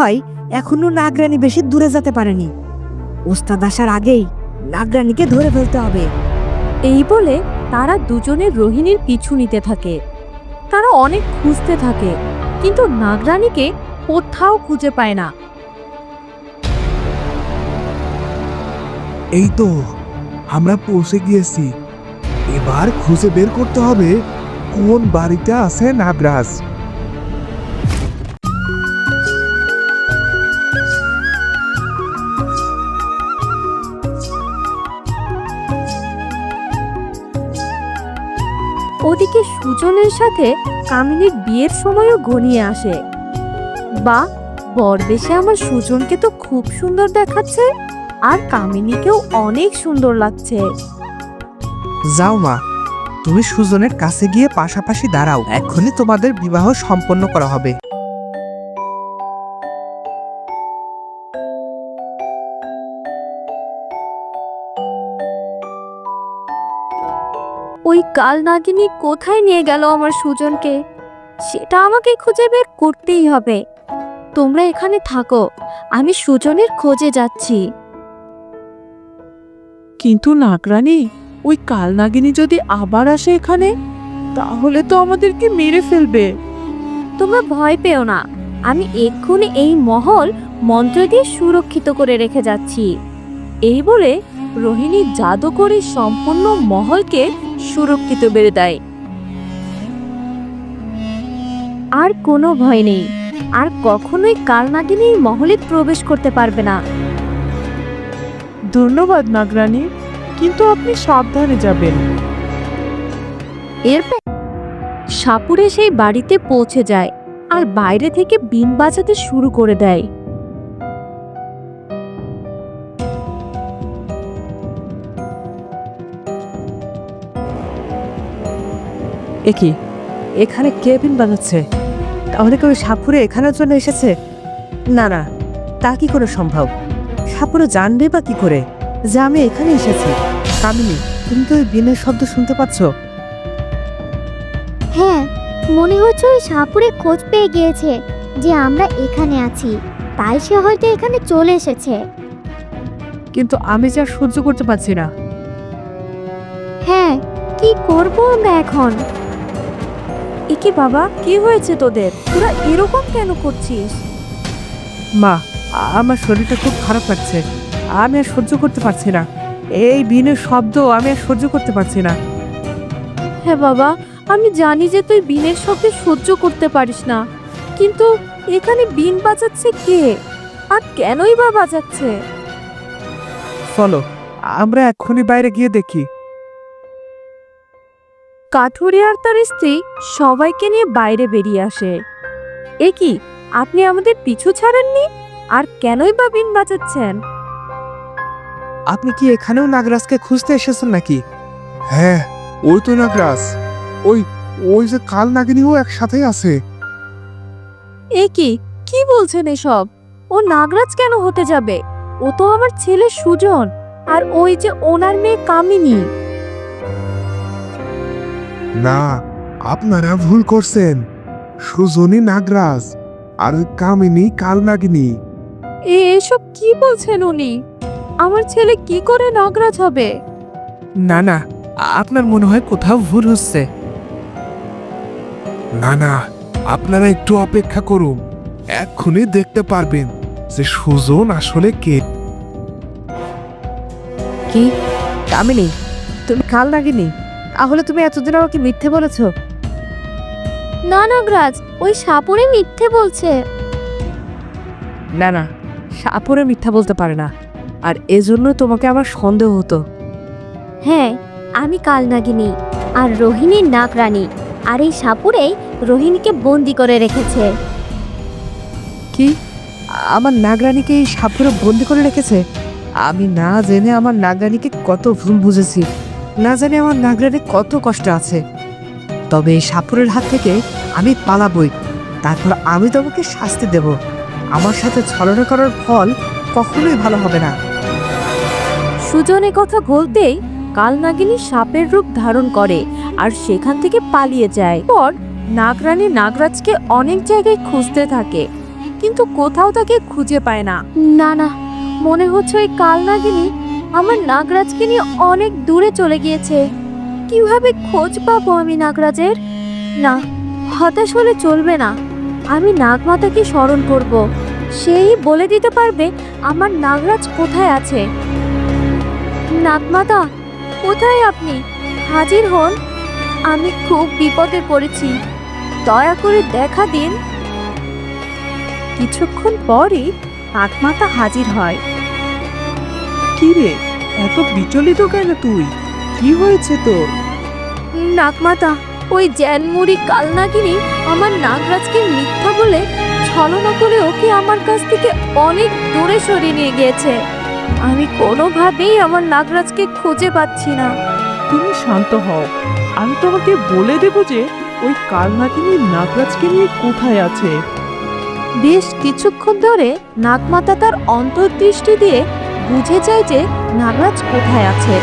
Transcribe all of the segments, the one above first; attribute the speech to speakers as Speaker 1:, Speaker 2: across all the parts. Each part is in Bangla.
Speaker 1: হয় এখনো নাগরানী বেশি দূরে যেতে পারেনি। ওস্তাদ আসার আগেই নাগরানীকে ধরে ফেলতে হবে।
Speaker 2: এই বলে তারা দুজনে রোহিণীর পিছু নিতে থাকে। তারা অনেক খুঁজতে থাকে, কিন্তু নাগরানীকে কোথাও খুঁজে পায় না।
Speaker 3: এই তো আমরা পৌঁছে গিয়েছি। এবার খুঁজে বের করতে হবে কোন বাড়িতে আছে নাগরাজ।
Speaker 2: ওদিকে সুজনের সাথে কামিনীর বিয়ের সময়ও ঘনিয়ে আসে। বা বরবেশে আমার সুজনকে তো খুব সুন্দর দেখাচ্ছে, আর কামিনীকেও অনেক সুন্দর লাগছে।
Speaker 4: যাও মা, তুমি সুজনের কাছে গিয়ে পাশাপাশি দাঁড়াও, এক্ষুনি তোমাদের বিবাহ সম্পন্ন করা হবে।
Speaker 2: ওই কাল নাগিনী কোথায় নিয়ে গেল আমার সুজনকে, সেটা আমাকে খুঁজে বের করতেই হবে। তোমরা এখানে থাকো, আমি সুজনের খোঁজে যাচ্ছি।
Speaker 5: কিন্তু নাগরানী, ওই কালনাগিনী যদি আবার আসে এখানে, তাহলে তো আমাদেরকে মেরে ফেলবে।
Speaker 2: তোমরা ভয় পেও না, আমি এক্ষুনি এই মহল মন্ত্র দিয়ে সুরক্ষিত করে রেখে যাচ্ছি। এই বলে রোহিণী জাদু করে সম্পূর্ণ মহলকে সুরক্ষিত বেড়ে দেয়। আর কোনো ভয় নেই, আর কখনোই কালনাগিনী মহলে প্রবেশ করতে পারবে না।
Speaker 5: ধন্যবাদ নাগরানী, কিন্তু আপনি সাবধানে যাবেন।
Speaker 2: এরপর সাপুরে সেই বাড়িতে পৌঁছে যায় আর বাইরে থেকে বিন বাজাতে শুরু করে দেয়।
Speaker 1: একই এখানে কে বিন বাজাচ্ছে? তাহলে কেউ সাপুরে এখানের জন্য এসেছে? না না, তা কি করে সম্ভব? সাপুরে জানবে বা কি করে যে আমি এখানে এসেছি? কামিনী, তুমি তো ওই বিনের শব্দ শুনতে পাচ্ছ?
Speaker 6: হ্যাঁ, মনে হচ্ছে ওই সাপুরে খোঁজ পেয়ে গিয়েছে যে আমরা এখানে আছি, তাই সে হয়তো এখানে চলে এসেছে।
Speaker 1: কিন্তু আমি যা সহ্য করতে পারছি না।
Speaker 6: হ্যাঁ, কি করব আমরা এখন?
Speaker 2: একে বাবা, কি হয়েছে তোদের? তোরা এরকম কেন করছিস?
Speaker 1: মা, আমার শরীরটা খুব খারাপ লাগছে। আমি আর সহ্য করতে পারছি না। এই বিনের শব্দ আমি আর সহ্য করতে পারছি না।
Speaker 2: হ্যাঁ বাবা, আমি জানি যে তুই বিনের শব্দে সহ্য করতে পারিস না, কিন্তু এখানে বিন বাজাচ্ছে কে, আর কেনই বা বাজাচ্ছে?
Speaker 4: চলো, আমরা এক্ষুনি বাইরে গিয়ে দেখি।
Speaker 2: কাঠুরি আর তার স্ত্রী সবাইকে নিয়ে বাইরে বেরিয়ে আসে। এ কি, আপনি আমাদের পিছু ছাড়েননি? আর কেনই বা বিন বাজাচ্ছেন?
Speaker 4: আপনি কি এখানেও নাগরাজকে খুঁজতে এসেছেন নাকি?
Speaker 3: হ্যাঁ, ওই তো নাগরাজ। ওই ওই যে কাল নাগিনীও একসাথেই আছে।
Speaker 2: এ কি, কি বলছেন এসব? ও নাগরাজ কেন হতে যাবে? ও তো আমার ছেলে সুজন, আর ওই যে ওনার মেয়ে কামিনী।
Speaker 3: না, আপনারা ভুল করছেন। সুজনী নাগরাজ আর ওই কামিনী কাল নাগিনী।
Speaker 2: এসব কি বলছেন উনি? আমার ছেলে কি করে নাগরাজ হবে?
Speaker 4: না না, আপনার মনে হয় কোথাও ভুল হচ্ছে।
Speaker 3: না না, আপনারা একটু অপেক্ষা করুন, এক্ষুনি দেখতে পারবেন যে সুজন আসলে কে।
Speaker 1: কি কামিনী, তুমি কাল নাগিনী? তাহলে তুমি এতদিন আমাকে মিথ্যে বলেছো?
Speaker 6: না নাগরাজ, ওই সাপুরে মিথ্যে বলছে।
Speaker 1: না না, সাপুরে মিথ্যা বলতে পারে না, আর এজন্য তোমাকে আমার সন্দেহ হতো।
Speaker 6: হ্যাঁ, আমি কালনাগিনী আর রোহিণী নাগরানী, আর এই সাপুরেই রোহিণীকে বন্দি করে রেখেছে।
Speaker 1: কি, আমার নাগরানীকে এই সাপুরে বন্দি করে রেখেছে? আমি না জেনে আমার নাগরানীকে কত ভুল বুঝেছি। না জানি আমার নাগরানী কত কষ্ট আছে। তবে এই সাপুরের হাত থেকে আমি পালাবই, তারপর আমি তোমাকে শাস্তি দেব। আমার সাথে ছলনা করার ফল কখনোই ভালো হবে না।
Speaker 2: সুজন কথা বলতেই কালনাগিনী সাপের রূপ ধারণ করে আর সেখান থেকে পালিয়ে যায়। পর নাগরানী নাগরাজকে অনেক জায়গায় খুঁজতে থাকে, কিন্তু কোথাও তাকে খুঁজে পায় না।
Speaker 6: না না, মনে হচ্ছে ওই কাল নাগিনী আমার নাগরাজকে নিয়ে অনেক দূরে চলে গিয়েছে। কিভাবে খোঁজ পাবো আমি নাগরাজের? না, হতাশ হলে চলবে না। আমি নাগমাতাকে স্মরণ করব। সেই বলে দিতে পারবে আমার নাগরাজ কোথায় আছে। নাগমাতা, কোথায় আপনি? হাজির হন। আমি খুব বিপদে পড়েছি, দয়া করে দেখা দিন।
Speaker 2: কিছুক্ষণ পরই নাগমাতা হাজির হয়।
Speaker 5: কি রে, এত বিচলিত কেন তুই? কি হয়েছে তোর?
Speaker 6: নাগমাতা, ওই জ্যানমুড়ি কালনাগিনী আমার নাগরাজকে মিথ্যা বলে ছলনা করে ওকে আমার কাছ থেকে অনেক দূরে সরিয়ে নিয়ে গিয়েছে। আমি কোনোভাবেই আমার নাগরাজকে খুঁজে পাচ্ছি না।
Speaker 5: তুমি শান্ত হও, আমি তোমাকে বলে দেব যে ওই কালনাগিনী নাগরাজকে নিয়ে কোথায় আছে।
Speaker 2: বেশ কিছুক্ষণ ধরে নাগমাতা তার অন্তর্দৃষ্টি দিয়ে বুঝে যায় যে নাগরাজ কোথায় আছে।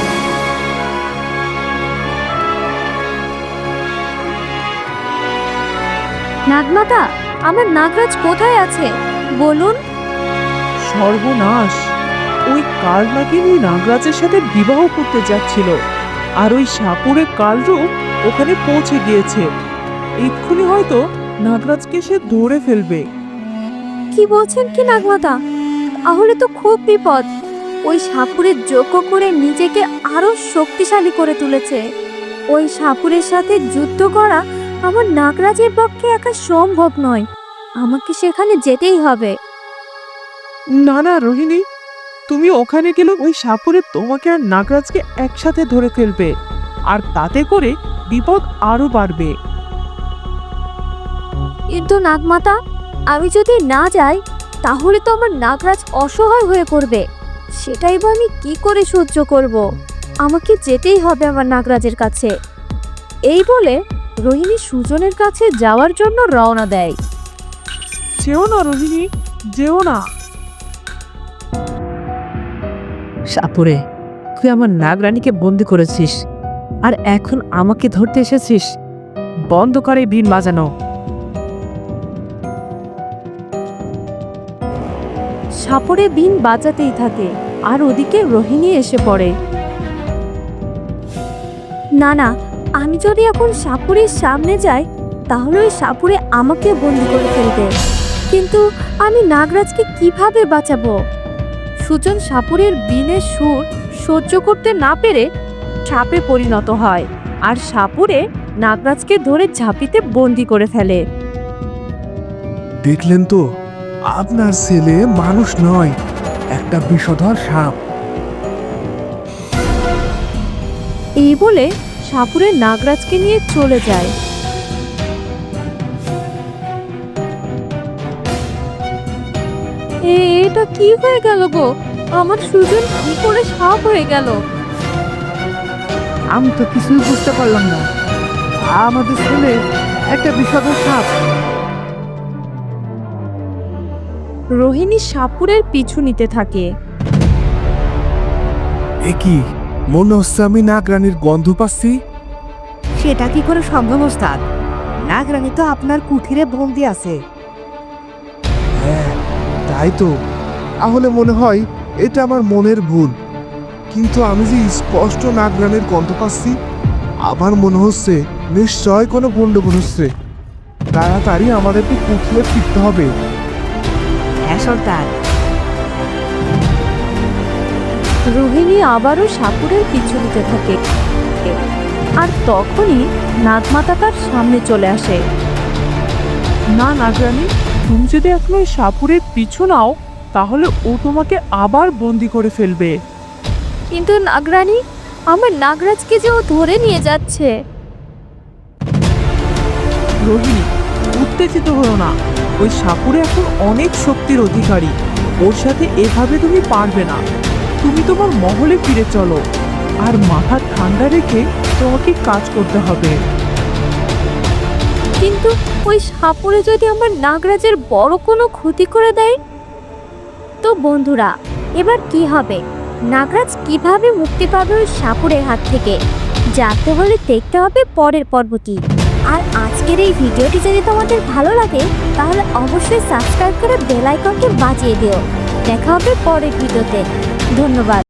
Speaker 6: নাগমাতা, আমার নাগরাজ কোথায় আছে বলুন।
Speaker 5: সর্বনাশ! ওই কালনাগিনী নাগরাজের সাথে বিবাহ করতে যাচ্ছিল, আর ওই সাপুরে কালরূপ ওখানে পৌঁছে গিয়েছে। এক্ষুনি হয়তো নাগরাজকে সে ধরে ফেলবে।
Speaker 6: কি বলছেন কি নাগমাতা? তাহলে তো খুব বিপদ। ওই সাপুরের যোগ্য করে নিজেকে আরো শক্তিশালী করে তুলেছে। ওই সাপুরের সাথে যুদ্ধ করা আমার নাগরাজের পক্ষে একা সম্ভব নয়। আমাকে সেখানে যেতেই হবে।
Speaker 5: না না রোহিণী, তুমি ওখানে গেলে ওই সাপুরে তোমাকে আর নাগরাজকে একসাথে ধরে ফেলবে, আর তাতে করে বিপদ আরো বাড়বে।
Speaker 6: কিন্তু নাগমাতা, আমি যদি না যাই তাহলে তো আমার নাগরাজ অসহায় হয়ে পড়বে। সেটাই বা আমি কি করে সহ্য করব? আমাকে যেতেই হবে আমার নাগরাজের কাছে।
Speaker 2: এই বলে রোহিণী সুজনের কাছে যাওয়ার জন্য রওনা দেয়।
Speaker 5: যেও না রোহিণী, যেও না।
Speaker 1: সাপুরে, তুই আমার নাগরানীকে বন্দি করেছিস, আর এখন আমাকে ধরতে এসেছিস। বন্ধ করে বিন বাজানো।
Speaker 2: সাপরে বিন বাজাতেই থাকে, আর ওদিকে রোহিণী এসে পড়ে।
Speaker 6: না না, আমি যদি এখন সাপুরের সামনে যাই তাহলে ওই সাপুরে আমাকে বন্দি করে ফেলবে। কিন্তু আমি নাগরাজকে কিভাবে বাঁচাবো?
Speaker 2: সুজন সাপুরের বিনের সুর সহ্য করতে না পেরে সাপে পরিণত হয়, আর সাপুরে নাগরাজকে ধরে ঝাঁপিতে বন্দি করে ফেলে।
Speaker 3: দেখলেন তো, আপনার ছেলে মানুষ নয়, একটা বিষধর সাপ।
Speaker 2: এই বলে সাপুরে নাগরাজকে নিয়ে চলে যায়। এটা কি হয়ে গেল গো? আমার সুজন কি করে সাপ হয়ে গেল?
Speaker 1: আমি তো কিছুই বুঝতে পারলাম না। আমাদের ছেলে একটা বিষধর সাপ।
Speaker 2: রোহিণী সাপুরের পিছু নিতে থাকে।
Speaker 3: এ কি, মনে হচ্ছে আমি নাগরানীর গন্ধ পাচ্ছি।
Speaker 1: সেটা কি করে সম্ভব ওস্তাদ? নাগরানী তো আপনার কুঠিরে বন্দি আছে।
Speaker 3: হ্যাঁ, তাই তো। তাহলে মনে হয় এটা আমার মনের ভুল, কিন্তু আমি যে স্পষ্ট নাগরানীর গন্ধ পাচ্ছি। আবার মনে হচ্ছে নিশ্চয় কোনো গন্ডগোল হচ্ছে। তাড়াতাড়ি আমাদেরকে কুঠিরে ফিরতে হবে।
Speaker 1: হ্যাঁ সর্দার।
Speaker 2: রোহিণী আবারও সাপুরের পিছু নিতে থাকে, আর তখনই নাগমাতা তার সামনে চলে আসে।
Speaker 5: না নাগরানী, তুমি যদি এখন ওই সাপুরের পিছু নাও তাহলে ও তোমাকে আবার বন্দি করে ফেলবে।
Speaker 6: কিন্তু নাগরানী, আমার নাগরাজকে যে ও ধরে নিয়ে যাচ্ছে।
Speaker 5: রোহিণী, উত্তেজিত হও না। ওই সাপুরে এখন অনেক শক্তির অধিকারী, ওর সাথে এভাবে তুমি পারবে না। তুমি তোমার মহলে ফিরে চলো, আর মাথা ঠান্ডা রেখে তোমাকে কাজ করতে হবে।
Speaker 6: কিন্তু ওই সাপুরে যদি আমার নাগরাজের বড় কোনো ক্ষতি করে দেয়, তো বন্ধুরা এবার কি হবে? নাগরাজ কিভাবে মুক্তি পাবে ওই সাপুরের হাত থেকে? জানতে হলে দেখতে হবে পরের পর্বটি। আর আজকের এই ভিডিওটি যদি তোমাদের ভালো লাগে তাহলে অবশ্যই সাবস্ক্রাইব করে বেল আইকনটি বাজিয়ে দিও। দেখা হবে পরের ভিডিওতে। ধন্যবাদ।